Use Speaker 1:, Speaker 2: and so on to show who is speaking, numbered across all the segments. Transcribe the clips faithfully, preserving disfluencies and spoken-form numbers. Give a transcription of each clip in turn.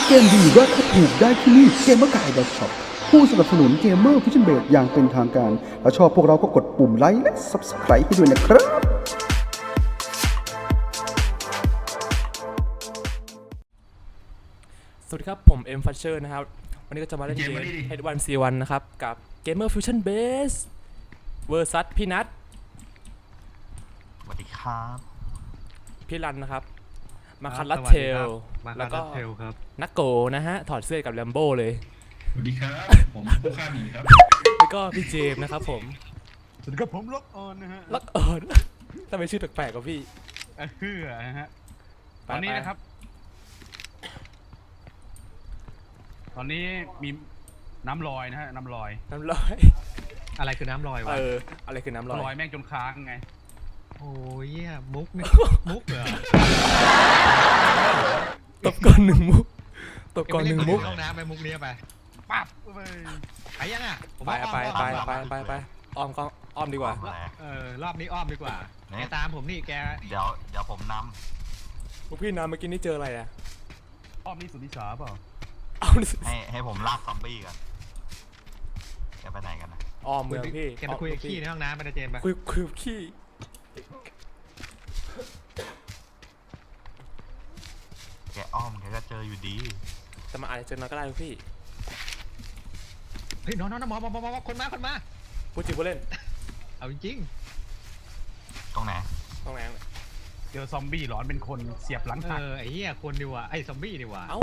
Speaker 1: เกมดีราคาถูกได้ที่นี่เกมเมอร์กาย .ช็อป ผู้สนับสนุนเกมเมอร์ฟิชชั่นเบสอย่างเป็นทางการถ้าชอบพวกเราก็กดปุ่มไลค์และ ซับสไครบ์ ให้ด้วยนะครับ
Speaker 2: สวัสดีครับผมเอ็มฟัชเชอร์นะครับวันนี้ก็จะมาเล่นเกม เฮด วัน ซี วัน นะครับกับ Gamer Fusion Base เวอร์ซัสพี่นัท
Speaker 3: สวัสดีครับ
Speaker 2: พี่รันนะครับมาคันลัดเทลแล้วก็นักโกนะฮะถอดเสื้อกับแลมโบ้เลย
Speaker 4: สวัสดีครับ ผมผู้ฆ่าหมีครับ
Speaker 2: แล้วก็พี่เจมส์นะครับผม
Speaker 5: สวัสดีครับผมล็อกออนนะฮะ
Speaker 2: ลักเอิร์ดทำไมชื่อแปลกๆกับพี่
Speaker 5: เฮือนะฮะ
Speaker 2: ไป
Speaker 5: ตอนนี้
Speaker 2: ไป
Speaker 5: นะครับ ตอนนี้มีน้ำลอยนะฮะน้ำลอย
Speaker 2: น้ำลอย
Speaker 6: อะไรคือน้ำลอยวะ
Speaker 2: เอออะไรคือน้ำลอย
Speaker 5: ลอยแม่งจนค้างไง
Speaker 6: โอ้ยเหี้ยมุกนี่ มุกเหรอ
Speaker 2: ตบก่อนหนึ่งมุกตบก่อนหนึ่งมุก
Speaker 6: ห้องน้ำไปมุกเนี้ยไป
Speaker 5: ปั๊บไป
Speaker 6: ไปยังอ่ะผม
Speaker 2: ไป
Speaker 6: ว่า
Speaker 2: ไป
Speaker 6: อ้อม
Speaker 2: ไป
Speaker 6: อ้อม
Speaker 2: ไปไปไปอ้อมก็อ้อมดีกว่า
Speaker 3: แหละ
Speaker 6: เออรอบนี้อ้อมดีกว่า
Speaker 3: เนี่ย
Speaker 6: แกตามผมนี่แก
Speaker 3: เดี๋ยวเดี๋ยวผมน
Speaker 2: พวกพี่น้ำเมื่อกี้นี่เจออะไรอ่ะ
Speaker 5: อ้อมนี่สุดที่สาเปล่า
Speaker 2: เอา
Speaker 3: ำให้ให้ผมลากซอมบี้กันจะไปไหนกันนะ
Speaker 2: อ้อมเมืองพี่
Speaker 6: แกไปคุยกับขี้ในห้องน้ำไปนะเจมส์ไป
Speaker 2: คุยคุยกับขี้
Speaker 3: แกอ้อมแกก็เจออยู่ดี
Speaker 2: แต่มาอาจจะเจอน้อยก็ได้พี่
Speaker 6: เฮ้ยน้องน้องน้องหมอหมอหมอหมอคนมาคนมา
Speaker 2: พูดจริงพูดเล่น
Speaker 6: เอาจริง
Speaker 3: ตรงไหน
Speaker 2: ต้องแรงเลย
Speaker 5: เจอซอมบี้หลอนเป็นคนเสียบหลัง
Speaker 6: ๆเอ
Speaker 5: หัก
Speaker 6: อไอ้เหี้ยคนดีว่ะไอ้ซอมบี้ดีว่ะ
Speaker 2: เอ้า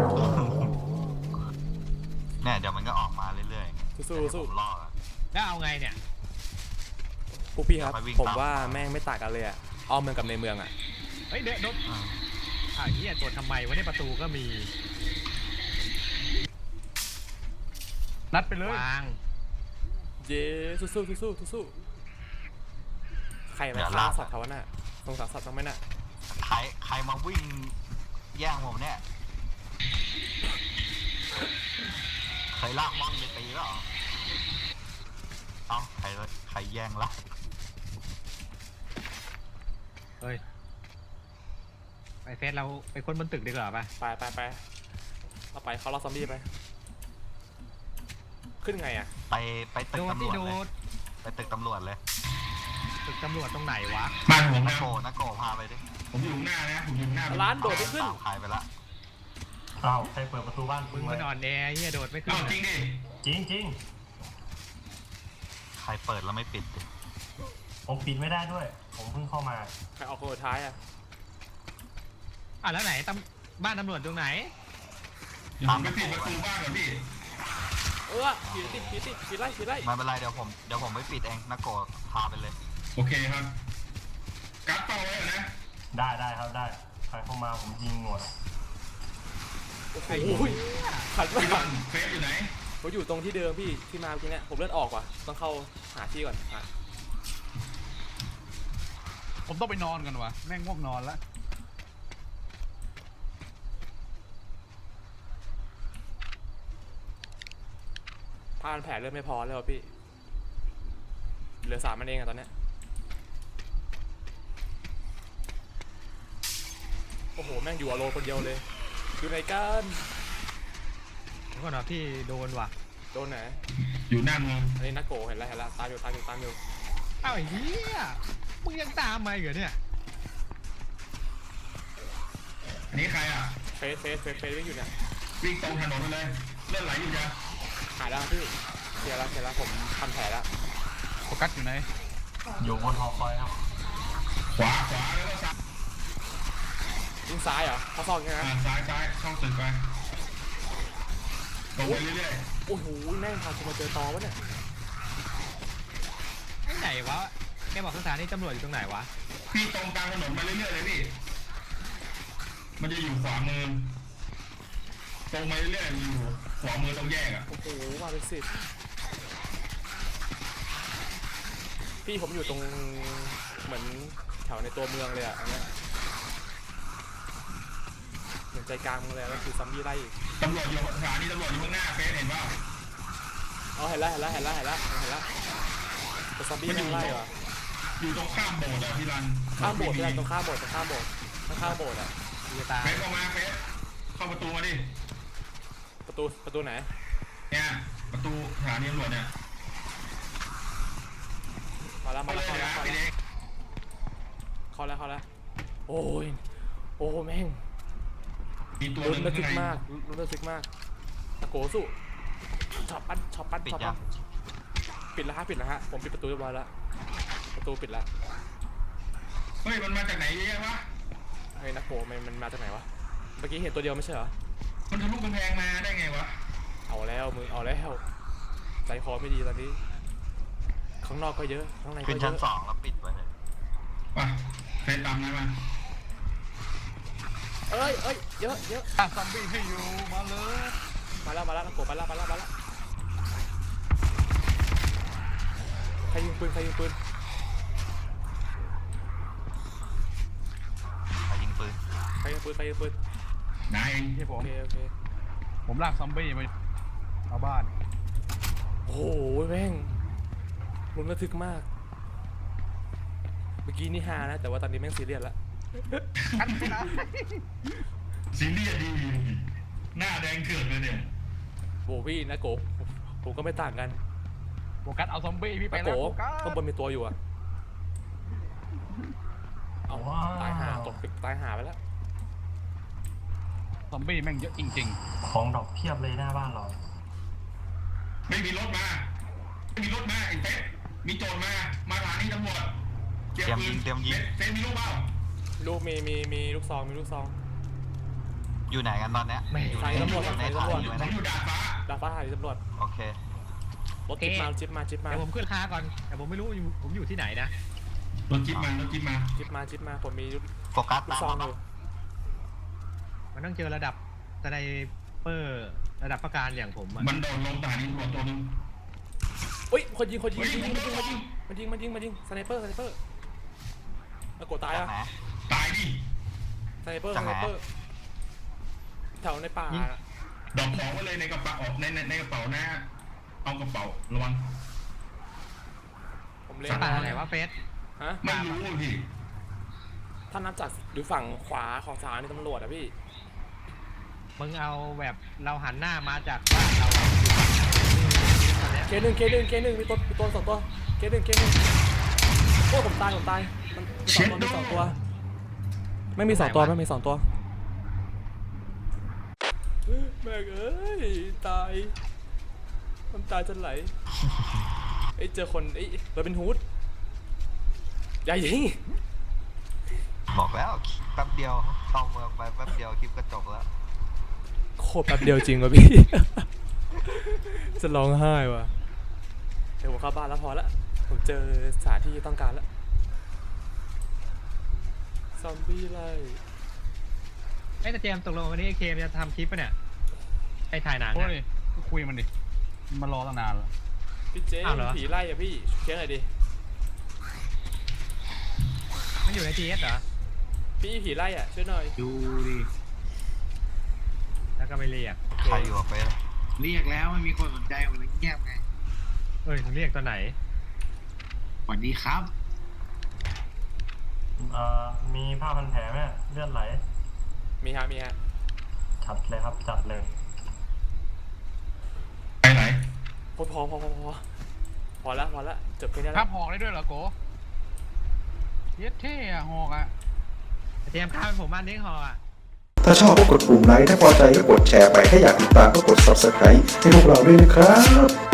Speaker 3: เนี่ยเดี๋ยวมันก็ออกมาเรื่อยๆ
Speaker 2: สู้ๆสู้
Speaker 3: ผมรออะ
Speaker 6: แล้วเอาไงเนี่ย
Speaker 2: พวกพี่ครับ
Speaker 3: เดี๋ยวไปวิ่ง
Speaker 2: ผม
Speaker 3: ตาม
Speaker 2: ว่าแม่งไม่ต่างกันเลยอะอ้อมเมืองกับในเมืองอะ
Speaker 6: เฮ้ยเดี๋ยวโดน
Speaker 3: อ่า
Speaker 6: อ่าวเหี้ยตัวทำไมวะเนี่ยประตูก็มี
Speaker 5: นัดไปเลยว
Speaker 6: าง
Speaker 2: เย้สู้สู้สู้สู้สู้ๆใครมาฆ่าสัตว์เขาวะน่ะสงสารสัตว์บ้างไหมน่ะ
Speaker 3: ใครใครมาวิ่งแย่งผมเนี่ยใครลากมอนไปตีแล้วเหรอเอ้าใครใครแย่งละ
Speaker 6: เฮ้ยไปเฟสเราไปคนบนตึกดีกว่าป่ะ
Speaker 2: ไปไปไปเอาไปเขาล่อซอมบี้ไปขึ้นไงอะ
Speaker 3: ไปไปตึ
Speaker 6: โด
Speaker 3: ก
Speaker 6: ด
Speaker 3: ตำร
Speaker 6: ที่
Speaker 3: วจ
Speaker 6: โด
Speaker 3: เลย
Speaker 6: ด
Speaker 3: ไปตึกตำรวจเลย
Speaker 6: ตึกตำรวจตรงไหนวะ
Speaker 4: บ้านผม
Speaker 3: นั
Speaker 4: นะ
Speaker 3: กโกนักโกพาไปดิ
Speaker 4: ผมอยู่ข้างหน้านะ ผมอยู่ข้างหน้า
Speaker 2: ร้านโดดไม่ขึ้น
Speaker 3: ตามใครไปละ
Speaker 7: อ้าวใครเปิดประตูบ้าน
Speaker 6: มึ
Speaker 7: มึ
Speaker 6: ง
Speaker 7: ง
Speaker 6: มันอ่อนแอเหี้ยโดดไม่ขึ้
Speaker 4: เอ้าน จริงดิ
Speaker 7: จริงจริง
Speaker 3: ใครเปิดแล้วไม่ปิดดิ
Speaker 7: ผมปิดไม่ได้ด้วย ผมเพิ่งเข้ามา
Speaker 2: ใครเอาคนสุดท้ายอะ
Speaker 6: อ่ะแล้วไหนตำบ้านตำรวจตรงไหน
Speaker 4: เดี๋ยวผมไปปิดประตูบ้านก่อนพี่
Speaker 2: เออผีติดผีติดผีไล่ผีไล่
Speaker 3: ไม่เป็นไรเดี๋ยวผมเดี๋ยวผมไม่ปิดเองนักโกพาไปเลย
Speaker 4: โอเคครับกัดเป้าไว้ก่อนนะ
Speaker 7: ได้ได้ครับได้ ใครเข้ามาผมยิงหมด
Speaker 2: โอ้โหขัน
Speaker 4: พี่
Speaker 2: มา
Speaker 4: บอลเฟซอยู่ไหน
Speaker 2: ผมอยู่ตรงที่เดิมพี่ที่มาเมื่อกี้เนี่ยผมเลื่อนออกว่ะต้องเข้าหาที่ก่อนอ่ะ
Speaker 5: ผมต้องไปนอนกันวะแม่งง่วงนอนแล้ว
Speaker 2: พานแผลเริ่มไม่พอแล้วพี่เหลือสามมันเองอะตอนเนี้ยโอ้โหแม่งอยู่อโลนคนเดียวเลยอยู่ไหนกัน
Speaker 6: เดี๋ยวก่อนนะพี่โดนว่ะ
Speaker 2: โดนไหน
Speaker 4: อยู่หน้าเมือง
Speaker 2: อันนี้นักโกเห็นแล้วเห็นแล้วตามอยู่ตามอยู่ตามอยู่
Speaker 6: อ้าวไอ้เหี้ยมึงยังตามมาอีกเหรอเนี่ย
Speaker 4: อันนี้ใครอ่ะ
Speaker 2: เฟสเฟสเฟสเฟสวิ่งอยู่เนี่ย
Speaker 4: วิ่งตรงถนนไปเลย เลือดไหลอยู่จ้ะ
Speaker 2: หายแล้วพี่เคลียร์แล้วเคลียร์แล้วผมทำแผลแล้ว
Speaker 5: โฟกัสอยู่ไหน
Speaker 7: อยู่บนหอคอยครับ
Speaker 4: ขวาขวาแล้วก็ซ้าย
Speaker 2: วิ่งซ้ายเหรอเขาซอกใช่ไหม
Speaker 4: อ่าซ้ายซ้ายเข้าตึกไปตรงไปเรื่อย
Speaker 2: โอ้โหแม่งพาคุณมาเจอตอวะเนี่ย
Speaker 6: ไอ้ไหนวะแกบอกสถานีตำรวจอยู่ตรงไหนวะ
Speaker 4: ๆพี่ตรงกลางถนนมาเรื่อยๆเลยพี่มันจะอยู่ขวามือตรงมาเรื่อยๆอยู่ขวามือตรงแยกอ่ะ
Speaker 2: โอ้โหมาเป็นสิบพี่ผมอยู่ตรงเหมือนแถวในตัวเมืองเลยอะอันเนี้ยเหมือนใจกลางเมืองเลยแล้วคือซัมบี้ไล่อีก
Speaker 4: ตำรวจอยู่สถานีตำรวจอยู่ข้างหน้าเฟซเห็นเปล่า
Speaker 2: อ๋อเห็นแล้วเห็นแล้วเห็นแล้วเห็นแล้วเห็นแล้วแต่ซัมบี้แม่งไล่เหรอ
Speaker 4: อยู่ตรงข้ามโบสถ์อะพี่รัน
Speaker 2: ข้ามโบสถ์พี่รันตรงข้ามโบสถ์ตรงข้ามโบสถ์ข้างข้างโบสถ์อะ
Speaker 6: มีตา
Speaker 4: เฟซเข้ามาเฟซเข้าประตูมาดิ
Speaker 2: ประตูประตูไหน
Speaker 4: เนี่ยประตูสถานีตำรวจเนี่ย
Speaker 2: มาแล้ว
Speaker 4: ไป
Speaker 2: มา
Speaker 4: เล
Speaker 2: แล้ว
Speaker 4: ย
Speaker 2: เข้า
Speaker 4: นะ
Speaker 2: แล้ว
Speaker 4: ไป
Speaker 2: เข้า
Speaker 4: เล
Speaker 2: แล้ว
Speaker 4: ย
Speaker 2: เข้าแล้วเข้าแล้วโอ้ยโอ้แม่ง
Speaker 4: มีตัวห
Speaker 2: ลุ้น
Speaker 4: นึ่ง
Speaker 2: ระทึ
Speaker 4: ข้าก งใน
Speaker 2: มากลุ้นระทึกมากตะโกสู้ช็อปปั้นช็อปปั้น
Speaker 3: ปิด
Speaker 2: ช็อป
Speaker 3: ยั
Speaker 2: ปั้
Speaker 3: ง
Speaker 2: นปิดแล้วฮะปิดแล้วฮะผมปิดประตูเรียบร้อยแล้วประตูปิดแล้ว
Speaker 4: เฮ้ยมันมาจากไหนเยอะแยะวะ
Speaker 2: ไอ้นักโกมันมันมาจากไหนวะเมื่อกี้เห็นตัวเดียวไม่ใช่เหรอ
Speaker 4: มันทะลุกำแพงมาได้ไงวะ
Speaker 2: เอาแล้วมึงเอาแล้วใจคอไม่ดีตอนนี้ข้างนอกก็เยอะข้างในก็
Speaker 3: ขึ้น
Speaker 2: เย
Speaker 3: ชั้น
Speaker 2: อะ
Speaker 3: สองแล้วปิดไปเลย
Speaker 4: ไปเฟซตามนั้นมา
Speaker 2: เอ้ยเอ้ยเยอะเยอะ
Speaker 5: ถ้าซอมบี้ให้อยู่มาเลย
Speaker 2: มาแล้วมาแล้วนักโกมาแล้วมาแล้วมาแล้วใครยิงปืนใครยิงปืน
Speaker 3: ไปยิงปืน
Speaker 2: ใครยิงปืนใครยิงปืน
Speaker 4: นายเอง
Speaker 5: ที่ผ
Speaker 2: โอ
Speaker 5: ม
Speaker 2: เคโอเค
Speaker 5: ผมลากซอมบี้มาเอาบ้าน
Speaker 2: โอ้โหแม่งลุ้นระทึกมากเมื่อกี้นี่ฮานะแต่ว่าตอนนี้แม่งซีเรียสละ
Speaker 5: กันไม่ได้
Speaker 4: ซีเรียสดีหน้าแดงเถื่อนเลยเนี่ย
Speaker 2: โบวี่นะโกผมก็ไม่ต่างกัน
Speaker 5: โฟกัสเอาซอมบี้พี่ไป
Speaker 2: นะ
Speaker 5: แล้
Speaker 2: โก
Speaker 5: วโฟกัส
Speaker 2: ข้างบนมีตัวอยู่อะเอา
Speaker 7: ว้าว
Speaker 2: ตายหาตกตึกตายหาไปแล้ว
Speaker 5: ซอมบี้แม่งเยอะจริง
Speaker 7: ของดอกเพียบเลยหน้าบ้านเรา
Speaker 4: ไม่มีรถมาไม่มีรถมาไอ้เฟซมีโจรมามาสถานีตำรวจ
Speaker 3: เตรียมยิงเตรียมยิง
Speaker 4: เฟซมีลูกเปล่า
Speaker 2: ลูกมีมีมีลูกซองมีลูกซอง
Speaker 3: อยู่ไหนกันตอนเนี้ยอยู่
Speaker 2: ใส่
Speaker 3: ใน
Speaker 2: ตำรวจ
Speaker 3: อยู่ใน
Speaker 2: ใส่
Speaker 3: ฐาน
Speaker 2: ตำรวจ
Speaker 3: อยู่
Speaker 4: ผ
Speaker 3: ไหน
Speaker 4: มอยู่ดาดฟ้า
Speaker 2: ดาฟ้าหาที่ตำรวจ
Speaker 3: โอเค
Speaker 2: รถจิ๊บมาจิ๊บมาจิ๊บมา
Speaker 6: เดี๋ยวผมขึ้นค้าก่อน แต่ผมไม่รู้อยู่ผมอยู่ที่ไหนนะ
Speaker 4: รถจิ๊บมารถจิ๊บมา
Speaker 2: จิ๊บมาจิ๊บมาผมมีลูก
Speaker 3: โฟกัส
Speaker 2: ลู
Speaker 3: ตาก ม
Speaker 2: ซอง
Speaker 3: มา
Speaker 2: อยู่
Speaker 6: มันต้องเจอระดับสไนเปอร์ระดับประการอย่างผมอะ
Speaker 4: มันโดดลงสถานีตำรวจตัวหนึง
Speaker 2: อุ้ยคนยิงคนยิง
Speaker 4: เฮ้ย
Speaker 2: ยิงยิง
Speaker 4: ผมโดน
Speaker 2: ยิงมันยิงมันยิงมันยิงสไนเปอร์สไนเปอร์ตะโกตาย
Speaker 3: จาก
Speaker 2: อะ
Speaker 3: ไหน
Speaker 4: ตายดิ
Speaker 2: สไนเปอร์ส
Speaker 3: จาก
Speaker 2: ไน
Speaker 3: ไหน
Speaker 2: เปอร์แถวในป่า
Speaker 4: ดอกของไว้เลยในกระเป๋าในในในกระเป๋าหน้าเอากระเป๋าระวัง
Speaker 2: ผมเล่น
Speaker 4: ส
Speaker 6: ป่าไหนวะเฟส
Speaker 2: ฮะ
Speaker 4: ไม่รู้พี่
Speaker 2: ถ้านับจากหรือฝั่งขวาของสถานีตำรวจอะพี่
Speaker 6: มึงเอาแบบเราหันหน้ามาจากบ้านเราอะตอนเนี้ย
Speaker 2: เคหนึ่งเคหนึ่งเคหนึ่งมีตัวมีตัวสองตัวเคหนึ่งเคหนึ่งโอ้ผมตายผมตายมันมีสองตัวมีสองตัวไม่มีสองตัวไม่มีสองตัวแม่งเอ้ยตายน้ำตาจะไหลไอ้ยเจอคนไอ้ยเราเป็นฮูดอย่ายิง
Speaker 3: บอกแล้วแป๊บเดียวเข้าเมืองไปแป๊บเดียวคลิปก็จบแล้ว
Speaker 2: โคตรแป๊บเดียวจริงว่ะพี่ จะร้องไห้ว่ะเดี๋ยวผมเข้าบ้านแล้วพอละผมเจอสถานที่ต้องการแล้วซอมบี้ไล่
Speaker 6: ไอ้แต่เจมส์ตกลงวันนี้ไอ้เคมจะทำคลิปปะเนี่ยไอ้ถ่ายหนัง
Speaker 5: โอ้
Speaker 6: อะ
Speaker 5: ยก็คุยมันดิมันมารอตั้งนานแล้ว
Speaker 2: พี่เจ๊
Speaker 6: อ้าวเหรอ
Speaker 2: ผีไล่อะพี่เช็คหน่อยดิ
Speaker 6: มันอยู่ในทีเอสเหรอ
Speaker 2: พี่ผีไล่อะช่วยหน่อย
Speaker 8: ดูดิ
Speaker 6: แล้วก็ไม่เรียก
Speaker 3: ใครอยู่กับเฟซ
Speaker 8: เรียกแล้วไม่มีคนสนใจผมเลยเงียบไง
Speaker 6: เอ้ยมึงเรียกตอนไหน
Speaker 8: สวัสดีครับ
Speaker 7: เอ่อมีผ้าพันแผลไหมเลือดไหล
Speaker 2: มีฮะมีฮะ
Speaker 7: จัดเลยครับจัดเลย
Speaker 4: ไปไหน
Speaker 2: พอพอพอพอพอพอละพอละจบแค่นี้
Speaker 5: ครั
Speaker 2: ละ
Speaker 5: บหอกได้ด้วยเหรอโกเย็ดเท่อะหอกอะ
Speaker 6: ไอ้เจมส์ข้ามผมบ้านเลี้ยงหออะ
Speaker 1: ถ้าชอบก็กดปุ่มไลค์ถ้าพอใจก็กดแชร์ไปถ้าอยากติดตามก็กด ซับสไครบ์ ให้พวกเราด้วยนะครับ